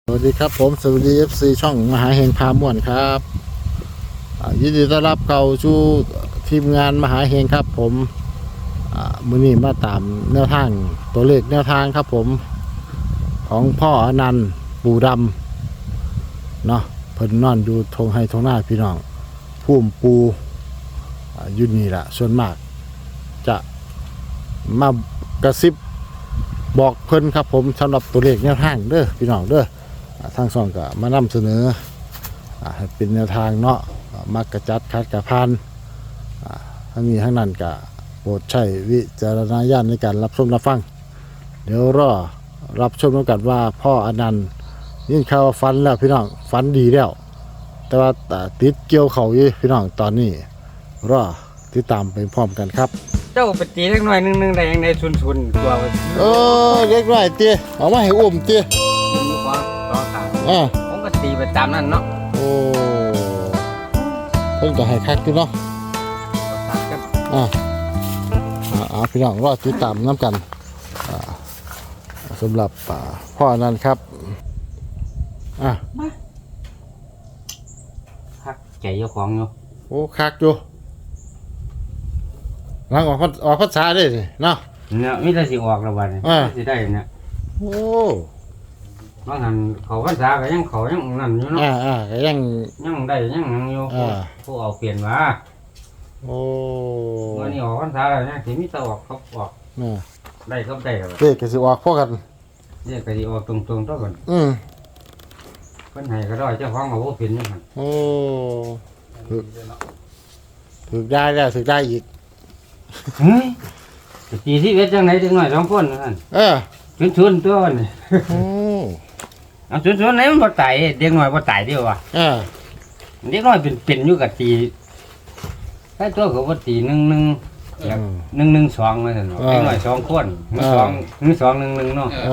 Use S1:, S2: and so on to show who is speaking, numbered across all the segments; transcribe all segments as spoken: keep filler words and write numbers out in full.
S1: สวัสดีครับผมสวัสดี เอฟ ซี ช่องมหาเฮงพาม่วนครับยินดีต้อนรับเข้าสู่ทีมงานมหาเฮงครับผมมื้อนี้มาตามแนวทางตัวเลขแนวทางครับผมของพ่ออนันต์ปู่ดำเนาะเพิ่นนอนอยู่ทงไห้ทงหน้าพี่น้องพุ่มปูอยู่นี่ล่ะส่วนมากจะมากระซิบบอกเพิ่นครับผมสำหรับตัวเลขแนวทางเด้อพี่น้องเด้อทางช่องก็มานำเสนอให้เป็นแนวทางเนาะมักกระจัดคัดกระพานทั้งนี้ทั้งนั้นก็โปรดใช้วิจารณญาณในการรับชมรับฟังเดี๋ยวรอรับชมกันว่าพ่ออนันต์ยินข่าวฟันแล้วพี่น้องฟันดีแล้วแต่ว่าติดเกี่ยวเขาอยู่พี่น้องตอนนี้รอติดตามไปพร้อมกันครับ
S2: เจ้าไปตีเล็กน้อยนึงนึงได้ยังในชุนชุนกลัว
S1: เออเล็กน้อยเตี้ยเอามาให้อุ้มเตี้ย
S2: ต่อขา
S1: อ่า
S2: ผมก็ตีไปตามนั้นเนาะ
S1: โอ้เพิ่นก็ให้คักอยู่เนาะอ่าอ่าพี่น้องรอติดตามน้ำกันอ่าสำหรับพ่อนั้นครับอ่ะ
S2: คักใจเจ้าของอยู่
S1: โอ้คักอยู่หลังออกออกภาษาได้สิเนาะ
S2: เนี่ยมิได้สิออกแล้วบัดนี้สิได้เนี่ย
S1: โอ้
S2: บางหันเขาภาษาก็ยังเขายังนั่นอยู่เนาะ
S1: อ่าอ่าก็ยัง
S2: ยังได้ยังนั่งอยู่ผู้เอาเปลี่ยนว่า
S1: โอ้
S2: วันนี้ออกภาษาแล้วเนี่ยสิมีแต่ออกเขาออกได้ก็ได้แล้ว
S1: เด็กก็สิออกพวกกัน
S2: เนี่ยก็สิออกตรงๆตัวก่อน
S1: อืม
S2: เพิ่นให้ก็ได้เจ้าของเอาบ่เป็นนี่หั่น
S1: โอ้ถึกถึกได้แล้วถึกได้อีก
S2: เฮ้ยตีที่เวทจังไหนจังหน่อยสองคนนั่น
S1: เออ
S2: ชวนๆตัวนี่โอ้เอาชวนๆไหนมันบ่ตายเด็กน้อยบ่ตายเดียวว่ะ
S1: เออ
S2: เด็กน้อยเป็นเป็นอยู่กับตีใครตัวเขาบ่ตีหนึ่งหนึ่งหนึ่งหนึ่งสองว่าซั่นเนาะเด็กน้อยสองคนมือสองมือสองหนึ่งหนึ่งเนาะ
S1: เอ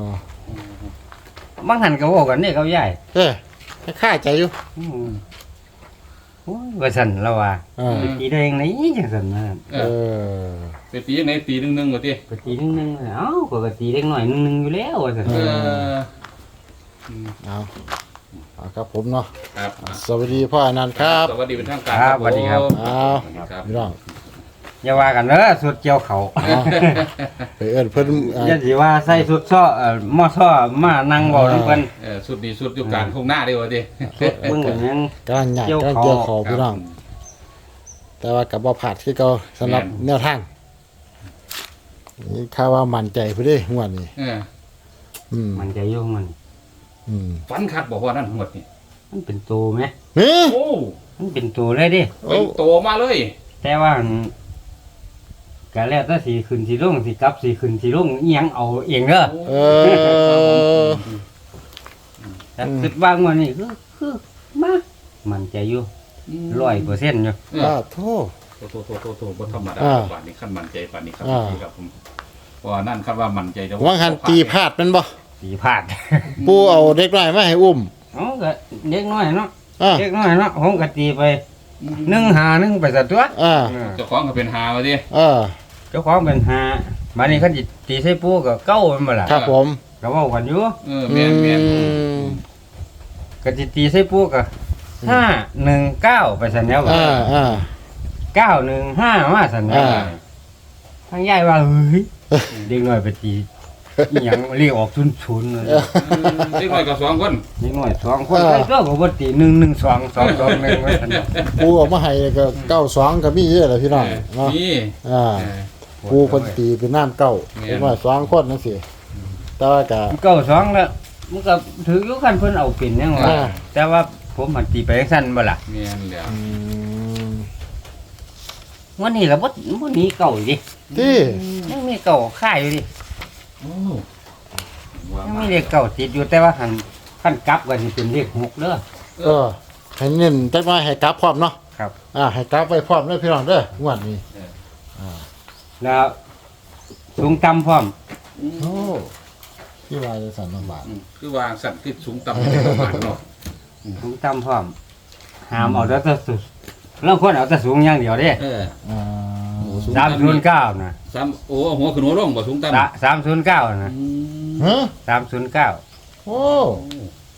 S2: อบางหันก็เว้ากันนี่เขาใหญ่
S1: เออค่าใจอยู่
S2: โอ้ยว่าซั่นแล้วว่าไปตีได้ยังไงจังซั่นนะ
S1: เออ
S3: ไปตียังไงตีหนึ่งหนึ่งว่าติ
S2: ไปตีหนึ่งหนึ่งเอ้าก็ตีเด็กน้อยหนึ่งหนึ่งอยู่แล้วว่าซั่นเออ
S1: เอาครับผมเนาะ
S3: ครับ
S1: สวัสดีพ่ออนันต์ครับ
S3: สวัสดีเป็นทางการ
S2: ครับสวัสดีครับ
S1: อ้าวพี่น้อง
S2: อย่าว่ากันเด้อสุดเกี่ยวเขา
S1: ไปเอิ้นเพิ่น
S2: อย่าสิว่าใส่สุดซ้อเอ่อมอซ้อมานั่งเว้านำเพิ่น
S3: เออสุดดีสุดอยู่กลางทุ่งนาเด้อว่าติ
S2: เบิ่งกันยัง
S1: กำลังใหญ่กำลังเกี่ยวเขาพี่น้องแต่ว่าก็บ่พลาดคือเก่าสำหรับแนวทางนี่ข่าวว่ามั่นใจพุ่นเด้งวดนี้
S3: เออ
S1: อืม
S2: มั่นใจอยู่มัน
S1: อืม
S3: ฝันคักบ่ว่านั่นหมดนี่
S2: มันเป็นตัวมั้ย
S1: เฮ้
S3: โอ้
S2: มันเป็นตัวเลยดิ
S3: เป็นตัวมาเลย
S2: แต่ว่าก็แล้วแต่สิขึ้นสิลงสิกลับสิขึ้นสิลงอีหยังเอาเองเด้อ
S1: เออ
S2: แต่คิดว่ามื้อนี้คือคือมามั่นใจอยู่ ร้อยเปอร์เซ็นต์ อยู่
S1: อ้าโธ่
S3: โธ่ๆๆๆบ่ธรรมดาปานนี้คันมั่นใจปานนี้ครับพี่ครับผมว่านั่นคันว่ามั่นใจแต่
S1: ว่าหันตีพลาดแม่นบ่
S2: ตีพลาด
S1: ปู่เอาเด็กน้อยมาให้อุ้ม
S2: อ๋อก็เด็กน้อยเนาะเด็กน้อยเนาะผมก็ตีไปหนึ่งห้าหนึ่งไปซะตัว
S1: อ่า
S3: เจ้าของก็เป็นหาว่าติ
S1: เออ
S2: เจ้าของเป็นห้าบัดนี้คันสิตีใส่ปู่ก็เก้าแม่นบ่ล่ะ
S1: ครับผม
S2: ก็เว้ากันอยู่
S3: เออแม่น
S2: ๆก็สิตีใส่ปู่ก็ห้าหนึ่งเก้าไปซั่นแล้ว
S1: อ่าอ่า
S2: เก้าหนึ่งห้ามาซั่นแล้วทางยายว่าเฮ้ยเด็กน้อยไปตีอีหยังเรียกออกศูนย์ๆเลย
S3: เด็กน้อยก็สองคน
S2: เด็กน้อยสองคนใครก็บ่ตีหนึ่ง หนึ่ง สอง สอง สอง หนึ่งว่าซั่น
S1: ปู่เอามาให้ก็เก้าสองก็มีเยอะแหละพี่น้องเนาะ
S3: มี
S1: อ่าปู่เพิ่นตีเป็นน้ำเก้าเด็กน้อยสองคนจังซี่แต่ว่าก็
S2: เก้าสองแล้วมันก็ถืออยู่คันเพิ่นเอาเป็นจังว่าแต่ว่าผมมันตีไปจังซั่นบ่ล่ะ
S3: แม่นแล้วอื
S2: มวันนี้ล่ะบ่บ่หนีเก่าดิ
S1: ติ
S2: ยังมีเก่าค่ายอยู่ดิโอ้ยังมีเลขเก่าติดอยู่แต่ว่าคันคันกลับก็สิเป็นเลขหกเด้อ
S1: เออให้เน้นจักหน่อยให้กลับพร้อมเนาะ
S2: ครับ
S1: อ่าให้กลับไว้พร้อมเด้อพี่น้องเด้องวดนี้
S2: อ่าแล้วสูงต่ำพร้อม
S1: โอ้ที่ว่าจะสั่นบาท
S3: คือว่าสั่นคือสูงต่ำประมาณเนาะ
S2: สูงต่ำพร้อมห้ามเอาแต่สูงแล้วคนเอาแต่สูงอย่างเดียวเด้
S3: เอออ่า
S2: สามศูนย์เก้านะ
S3: สามโอ้หัวขึ้นหัวลงบ่สูงต่
S2: ำสามศูนย์เก้านะ
S1: ฮะ
S2: สามศูนย์เก้า
S1: โอ้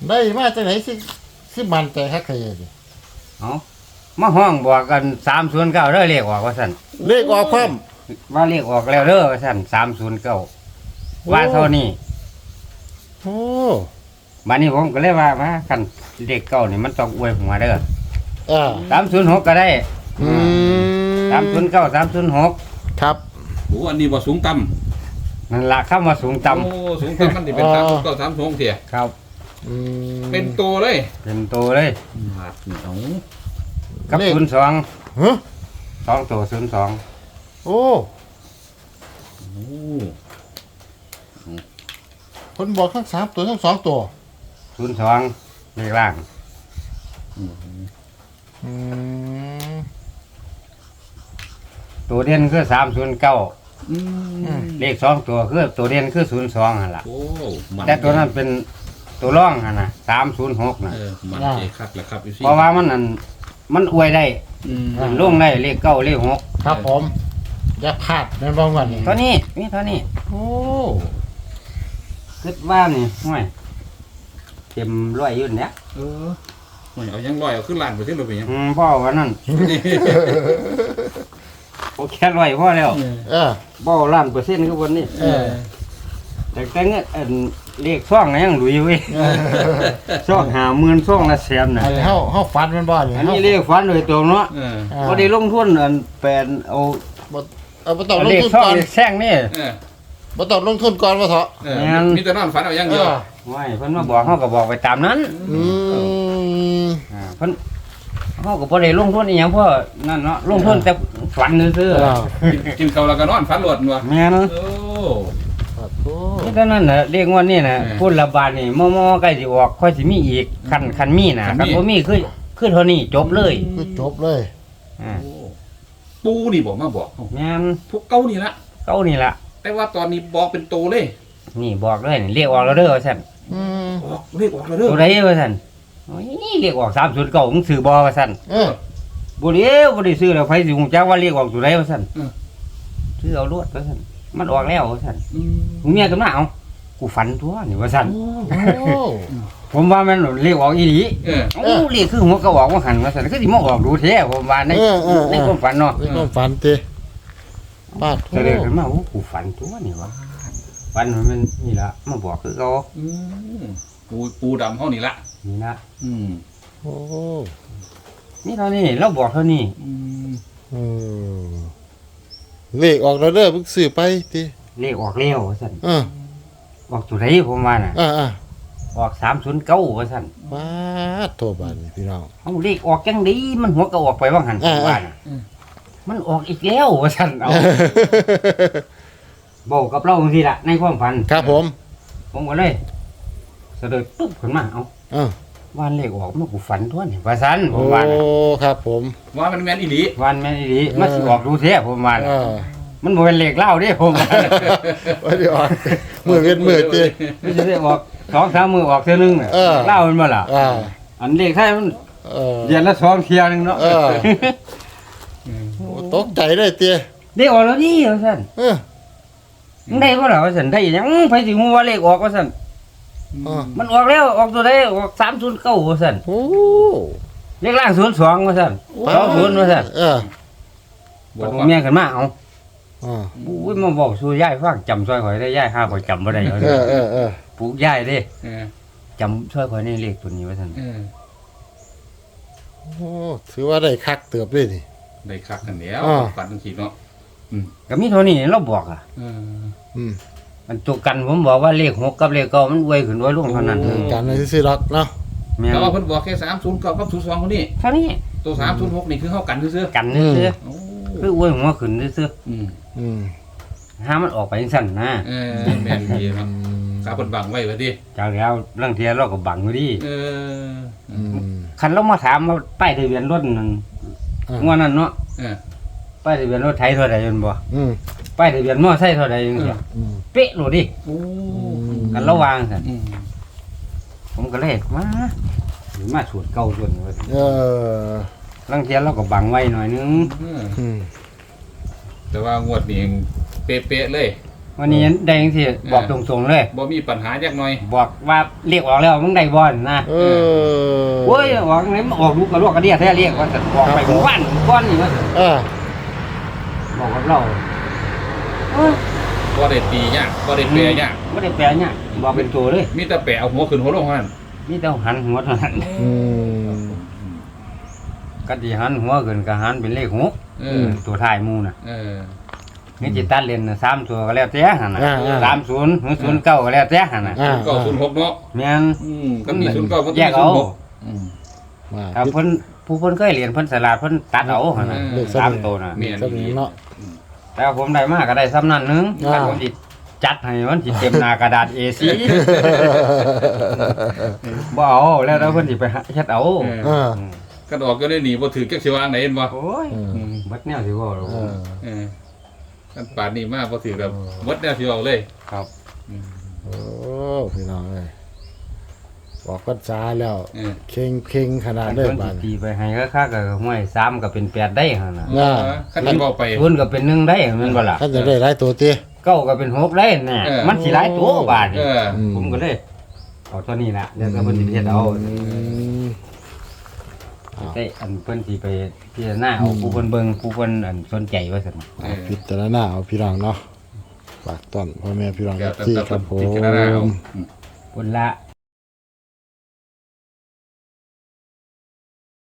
S1: ได้มาจากไหนสิสิมันใจคักใครดิ
S2: เอามาห้องบอกกันสามศูนย์เก้าเด้อเรียกออกว่าสั่น
S1: เลขออกพร้อม
S2: ว่าเรียกออกแล้วเด้อว่าสั่นสามศูนย์เก้าว่าเท่านี้
S1: โอ้
S2: บัดนี้ผมก็เลยว่ามาคันเลขเก้านี่มันต้องอวยหัวเด้อ
S1: อ่า
S2: สามศูนย์หกก็ได้
S1: อืม
S2: สามศูนย์เก้าสามศูนย์หก
S1: ครับ
S3: โอ้อันนี้บ่สูงต่
S2: นั่นละเข้ามาสูง
S3: ำ
S2: ต่ำ
S3: โอ้สูงต่ำมันสิเป็นสามก็สามสองเสีย
S2: ครับ
S1: อืม
S3: เป็นตัวเลย
S2: เป็นตัวเลย
S3: หาดเหนียว
S2: กับ
S1: เลข
S2: ศูนย์สอง
S1: ฮะ
S2: สองตัวศูนย์สอง
S1: โอ้
S3: โอ้
S1: คนบอกทั้งสามตัวทั้งสองตัว
S2: ศูนย์สองเลขล่าง
S3: อืม
S1: อืม
S2: ตัวเด่นคือสามศูนย์เก้า
S3: อืม
S2: เลขสองตัวคือตัวเด่นคือศูนย์สองหั่นล่ะ
S3: โอ้มัน
S2: แต่ตัวนั้นเป็นตัวร่องหั่นน่ะสามศูนย์หกน่ะ
S3: เออมันเจคักแหละครับอยู่สิ
S2: เพราะว่ามันนั่นมันอวยได้
S3: อืม
S2: มันลงได้เลขเก้าเลขหก
S1: ครับผมอย่าพลาดนั่นบ้างวันนี้
S2: เท่านี้มีเท่านี้
S1: โอ้
S2: คิดว่านี่ห่วยเต็มร้อยอยุ่นเนี่ย
S3: เออโอ้ยเอายังลอยเอาขึ้นลานไปที่เราไปยัง
S2: อืมพ่อว่านั่นโอแค่ร้อยพ่อแล้ว
S1: เออ
S2: บ่ล้านเปอร์เซ็นต์คือวันนี้
S1: เออ
S2: แต่แต่เงี้ยอันเลขซ่องน่ะยังหลุยเว้ยซ่องหาหมื่นซ่องละแสนน่ะ
S1: อันนี้เฮาเฮาฟันมันบ่นี่
S2: อันนี้เลขฝันโดยตรงเนาะ
S3: เออ
S1: อ่า
S2: บ่ได้ลงทุนอันแปลนเอา
S1: บ่เอาบ่ต้องล
S2: เล
S1: ง
S2: ข
S1: ทุน
S2: ซ่อง
S1: ก่อน
S2: เลขแซงนี่
S3: เออ
S1: บ่ต้องลงทุนก่อนว่าเถอะ
S3: เออมีแต่นอนฝันเอาอย่าง
S1: เอ
S3: เดียว
S1: อ
S2: ว้ายเพิ่นมาบอกเฮาก็บอกไปตามนั้น
S1: อืม
S2: อ่าเพิ่นเฮาก็บ่ได้ลงทุนอีหยังเพราะนั่นเนาะลงทุนแต่ฝันซื่อ
S1: เออ
S3: กินกินข้าวแล้วก็นอนฝันหลวดว่ะ
S2: ๆแม่น
S3: โอ้
S1: ครับโอ้
S2: นี่เท่านั้นน่ะเรียกว่านี่น่ะ
S3: เออ
S2: พุ่นละบาทนี่มอๆใกล้สิออกค่อยสิมีอีกคันคันมีน่ะ
S3: คั
S2: คั
S3: น
S2: น
S3: มี
S2: บ่มีคือคือเท่านี้จบเลย
S1: คือจบเลย
S2: อ่า
S3: ปูนี่บอกมาบอกเอ้า
S2: แม่น
S3: พวกเก้านี่ละ
S2: เก้านี่ล่ะ
S3: แต่ว่าตอนนี้บอกเป็นตัวเลย
S2: นี่บอกเลยนี่เรียกออกแล้วเด้อว่าซั่น
S1: อืม
S3: ออกเลขออกแล้วเด้อ
S2: ตัวใดว่าซั่นโอ้ยเรียกออกสามศูนย์เก้ามึงซื้อบ่ว่าซั่น
S1: เออ
S2: บ่ได้บ่ได้ซื้อแล้วไผสิฮู้จักว่าเรียกออกตัวใดว่าซั่นซื้อเอารวดว่าซั่นมันออกแล้วว่าซั่น
S3: อืม
S2: ผมเมียก็มาเอากูฝันตัวนี่ว่าซั่น
S1: โอ้
S2: ผมว่ามันเรียกออกอีหลี
S3: เออ
S2: เอ้าเรียกคือหัวกระบอกว่าหันว่าซั่นคือสิมาออกดูแท้ผมว่าใน
S1: เออเออเอ
S2: ใน
S1: อ
S2: ความฝันเนาะ
S1: ในความฝันติปาดโท
S2: ก็เลยขึ้นมาโอ้กูฝันตัวนี่วะฝันมันนี่ละมาบอกคือเขา
S3: อืมปูปูดำเท่านี้ละ
S2: นี่ละ
S3: อืม
S1: โอ้
S2: นี่เท่านี้เราบอกเท่านี้
S3: อืม
S1: เออเลขออกแล้วเด้อเพิ่งซื้อไปติ
S2: เลขออกแล้วว่าซั่น
S1: เออ
S2: ออกตัวไหนผมว่าน่ะ
S1: อ่าอ่า
S2: ออกสามศูนย์เก้าว่าซั่น
S1: ปาดโทบานนี่พี่น้อง
S2: เอาเลขออกจังดีมันหัวก็ออกไปว่าหันผมว่าน่ะมันออกอีกแล้วว่าซั่นเอาบอกกับเราจังซี่ล่ะในความฝัน
S1: ครับผม
S2: ผมก็เลยเสด็จปุ๊บขึ้นมาเอา
S1: เออ
S2: วันเลขออกมันกูฝันทั่วนี่ว่าซั่นผ
S1: โอ้
S2: มว่าน่ะ
S1: ครับผม
S3: ว่ามันแมนอีหลี
S2: วันแม่นอีหลีมันสิออกดูแท้ผมว่า
S1: เอ
S2: น่ะ
S1: อ
S2: มันบ่เป็นเลขเล่าเด้ผมว่า
S1: ว่าเดี๋ยวออกมือเว้นมือติ
S2: ไม่ใช่ได้ออกสองสามมือออกเท่านึงน่ะ
S1: เออ
S2: เล่ามันมาล่ะ
S1: อ่า
S2: อันเลขไทยมัน
S1: เออ
S2: เดือนละสองเที่ยหนึงเนาะ
S1: เออ โอ้ตกใจเลยเตี้ย
S2: ได้ออกแล้วนี่ว่าซั่น
S1: เออ
S2: มึงได้บ่ล่ะว่าซั่นได้หยังไผสิฮู้ว่าเลขออกว่าซั่น
S1: อ่า
S2: มันออกแล้วออกตัวใดออกสามศูนย์เก้าว่าซั่น
S1: โอ้
S2: เลขล่างศูนย์สองว่าซั่นสองศูนย์ว่าซั่น
S1: เออ
S3: บอก
S2: ผม
S3: ว่า
S2: เมียขึ้นมาเอา
S1: อ่า
S2: อุ้ยมาบอกสู่ยายฟังจำซอยข่อยได้ยายห้าข่อยจำบ่ได้เอา
S1: เออเออเออ
S2: ปลูกยายเด้
S3: เออ
S2: จำซอยข่อยในเลขตัวนี้ว่าซั่น
S3: เออ
S1: โอ้ถือว่าได้คักเติบเลยนี่
S3: ได้คักกันแล้ว
S1: อ่า
S3: ฝันทังทีเนาะ
S2: ก็มีเท่านี้เราบอกอ่ะ
S3: เออ
S1: อืม
S2: มันตัวกันผมบอกว่าเลขหกกับเลขเก้ามันอวยขึ้นอวยลงเท่านั้น
S3: โอ้
S1: กันในซื้อๆดอกเนาะ
S2: แม่น
S3: แต่ว่าเพิ่นบอกแค่สามศูนย์เก้ากับศูนย์สองคนนี้
S2: เท่านี้
S3: ตัวสามศูนย์หกนี่คือเข้ากันซื่อ
S2: กันซื่อ
S3: ๆโอ้
S2: ๆคืออวยหัวขึ้นซื่อ
S3: อืม
S1: อืม
S2: ๆห้ามมันออกไปจังซั่นนะ
S3: เออแม่นดีเนาะกาเพิ่นบังไว้ว่าติ
S2: จากแล้วเรื่องเทียเราก็บังอยู่ดิ
S3: เออ
S1: อืม
S2: คันเรามาถามว่าป้ายทะเบียนรถนั่น
S1: อ่า
S2: งวดนั้นเนาะ
S3: เออ
S2: ป้ายทะเบียนรถไทยเท่าใดแม่นบ่
S1: อืม
S2: ป้ายทะเบียนมอไซค์เท่าใดจังซี่
S1: อืม
S2: เป๊ะโลดดิ
S3: โอ้
S2: กันระวางซั่น
S3: อืม
S2: ผมก็เลยมามาสวดเก่าส่วนว่า
S1: เออ
S2: เรื่องเทียเราก็บังไว้หน่อยนึง
S3: เออ
S1: อืม
S3: แต่ว่างวดนี้เป๊ะๆเลย
S2: วันนี้ได้จังซี่บอกตรงๆเลย
S3: บ่มีปัญหาจักหน่อย
S2: บอกว่าเรียกออกแล้วมึงได้บ่นะ
S1: เออ
S2: โอ้ยออกไหนมันออกลูกกระลวกกระเดียแท้เรียกว่าสัตว์ออกไปหมู่บ้านก้อนนี่ว่า
S1: เออ
S2: บอกกับเราเอ้ย
S3: บ่ได้ตียากบ่ได้แปรยาก
S2: บ่ได้แปลเนี่ยบอกเป็นตัวเลย
S3: มีแต่แปรเอาหัวขึ้นหัวลงเท่านั้น
S2: มีแต่หันหัวเท่านั้น
S1: อืม
S2: ก็สิหันหัวขึ้นก็หันเป็นเลขหก
S3: เออ
S2: ตัวท้ายหมู่น่ะ
S3: เออ
S2: นี่จิตัดเล่นน่ะสามตัวก็แล้วแต่หั่นน่ะ
S1: อ่าอ่า
S2: สามศูนย์หรือศูนย์เก้าก็แล้วแต่หั่นน่ะ
S1: อ่า
S3: ศูนย์เก้าศูนย์หกเนาะ
S2: แม่น
S3: อืมก็มีศูนย์เก้าก็มี
S2: แยก
S3: ศู
S2: เอา
S3: นย์หกอืม
S1: มา
S2: ถ้าเพิ่นผู้เพิ่นเคยเรียนเพิ่นสลาดเพิ่นตัดเอาหั่นน่ะ
S3: เออ
S2: สามตัวน่ะ
S3: แม่น
S1: สมิงเนาะ
S2: แต่ว่าผมได้มาก็ได้ซ้ำนั่นหนึง
S1: อ่า
S2: ถ้าผมสิจัดให้มันสิเต็มหน้ากระดาษ เอ โฟร์ บ่เอาแล้วแล้วเพิ่นสิไปหาเฮ็ดเอา
S3: เออ
S1: เออ
S2: ม
S3: กันออกก็ได้หนีบ่ถือจักสิวางไหนเห็นบ่
S2: โอ้ย
S1: เออ
S2: บัดแนวสิเว้าหรอก
S1: เออ
S3: เออกันป่านนี้มาบ่ถือแบบหมดแนวสิเอาเลย
S2: ครับ
S1: โอ้พี่น้องเอ้ยบอกก็จ้าแล้ว
S3: เออ
S1: เข่งเข่งขนาด
S2: อัน
S1: เลย
S2: เพิ่น
S1: บา
S2: สิ
S1: ด
S2: ตีไปให้คักๆก็ห้วยสามก็เป็นแปดได้หั่นน่ะ
S1: น่า
S3: คันที่เว้าไป
S2: ศูนย์ก็เป็นหนึ่งได้แม่นบ่ล่ะ
S1: ท่านจะได้หลายตัวติ
S2: เก้าก็เป็นหกได้แน่
S3: เออ
S2: มันสิหลายตัวบาดนี่
S3: เออ
S1: อืม
S2: ผมก็เลยเอาเท่านี้ล่ะเดี๋ยวก็เพิ่นสิเฮ็ดเอา
S1: อืม
S2: ได้อันเพิ่นสิไปพิจารณาเอาผู้เพิ่นเบิ่งผู้เพิ่นอันสนใจว่าซั่น
S3: เออ
S1: พิจารณาเอาพี่น้องเนาะฝากต้อนพ่อแม่พี่น้อง
S3: เดี๋ยวแต่
S1: ที่
S3: แต่
S1: ครับผ
S3: พิจารณาเอา
S1: ม
S3: อืม
S2: คนละ